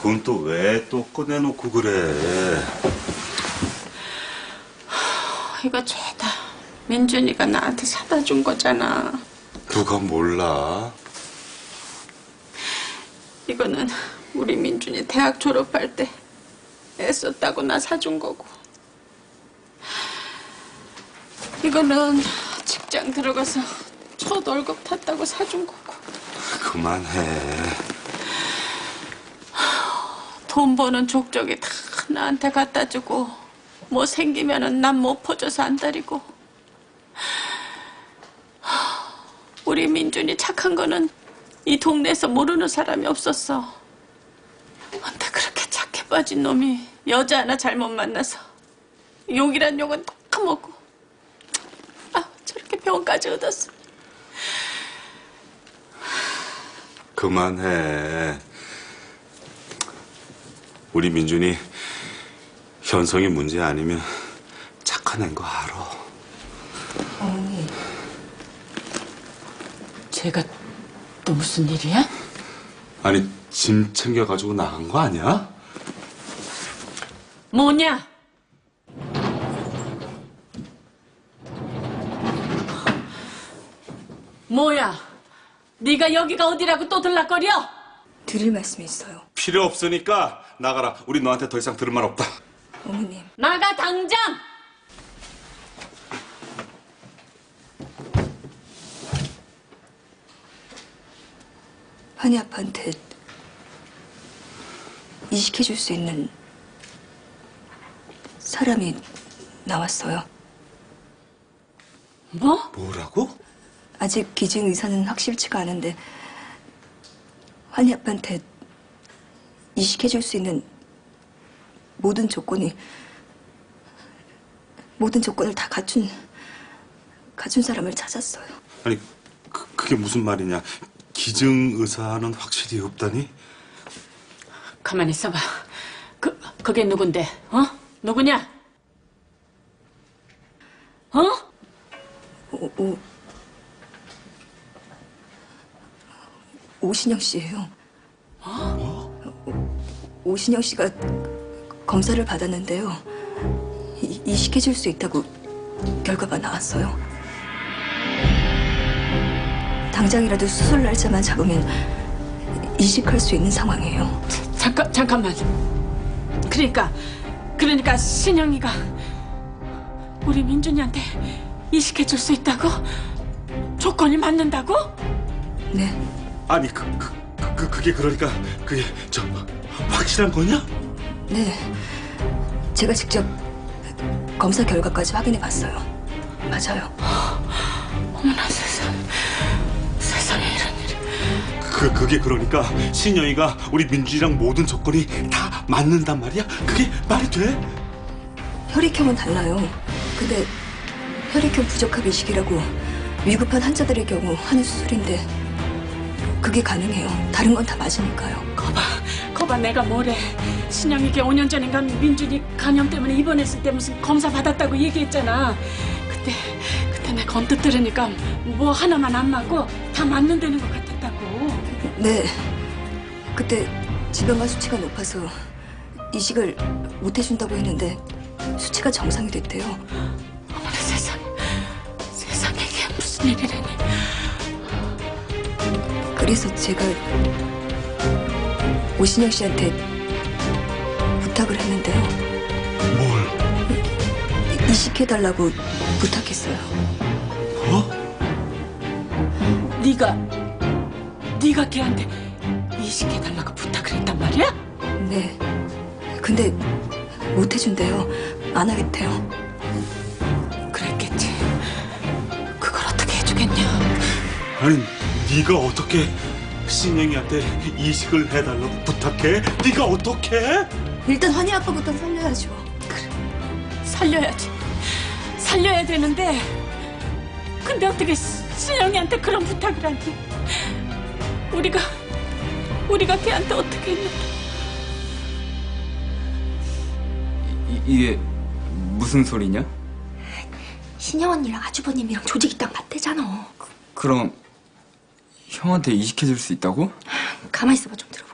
돈 또 왜 또 꺼내놓고 그래? 이거 죄다 민준이가 나한테 사다 준 거잖아. 누가 몰라? 이거는 우리 민준이 대학 졸업할 때 애썼다고 나 사준 거고, 이거는 직장 들어가서 첫 월급 탔다고 사준 거고. 그만해. 돈 버는 족적이 다 나한테 갖다 주고, 뭐 생기면은 난 못 퍼줘서 안달이고. 우리 민준이 착한 거는 이 동네에서 모르는 사람이 없었어. 근데 그렇게 착해 빠진 놈이 여자 하나 잘못 만나서 욕이란 욕은 다 먹고, 아, 저렇게 병까지 얻었어. 그만해. 우리 민준이 현성이 문제 아니면 착한 애인 거 알아. 어머니, 제가 또 무슨 일이야? 아니, 짐 챙겨가지고 나간 거 아니야? 뭐냐? 뭐야? 네가 여기가 어디라고 또 들락거려? 드릴 말씀이 있어요. 필요 없으니까 나가라. 우리 너한테 더 이상 들을 말 없다. 어머님. 나가 당장! 환희 아빠한테 이식해줄 수 있는 사람이 나왔어요. 뭐? 뭐라고? 아직 기증 의사는 확실치가 않은데 환희 아빠한테 이식해줄 수 있는 모든 조건을 다 갖춘 사람을 찾았어요. 아니, 그게 무슨 말이냐? 기증 의사는 확실히 없다니? 가만히 있어봐. 그게 누군데? 어? 누구냐? 어? 오신영 씨예요. 오신영 씨가 검사를 받았는데요. 이식해줄 수 있다고 결과가 나왔어요. 당장이라도 수술 날짜만 잡으면 이식할 수 있는 상황이에요. 잠깐만. 그러니까 신영이가 우리 민준이한테 이식해줄 수 있다고? 조건이 맞는다고? 네. 아니, 그게 그러니까 그게 확실한 거냐? 네. 제가 직접 검사 결과까지 확인해 봤어요. 맞아요. 어머나 세상에 이런 일이. 그게 그러니까 신영이가 우리 민준이랑 모든 조건이 다 맞는단 말이야? 그게 말이 돼? 혈액형은 달라요. 근데 혈액형 부적합 이식이라고 위급한 환자들의 경우 하는 수술인데 그게 가능해요. 다른 건 다 맞으니까요. 거봐 내가 뭐래. 신영이게 5년 전인가 민준이 간염 때문에 입원했을 때 무슨 검사 받았다고 얘기했잖아. 그때 내가 언뜻 들으니까 뭐 하나만 안 맞고 다 맞는다는 것 같았다고. 네. 그때 지방간 수치가 높아서 이식을 못 해준다고 했는데 수치가 정상이 됐대요. 어머나 세상에 이게 무슨 일이라니. 그래서 제가 오신영 씨한테 부탁을 했는데요. 뭘? 이식해달라고 부탁했어요. 뭐? 네가 걔한테 이식해달라고 부탁을 했단 말이야? 네. 근데 못 해준대요. 안 하겠대요. 그랬겠지. 그걸 어떻게 해주겠냐. 아니, 네가 어떻게 신영이한테 이식을 해달라고 부탁해? 네가 어떻게? 일단 환희 아빠부터 살려야죠. 그래, 살려야 되는데 근데 어떻게 신영이한테 그런 부탁을 하니. 우리가 걔한테 어떻게 했는데. 이게 무슨 소리냐? 신영 언니랑 아주버님이랑 조직이 딱 맞대잖아. 그럼 형한테 이식해줄 수 있다고? 가만히 있어봐, 좀 들어.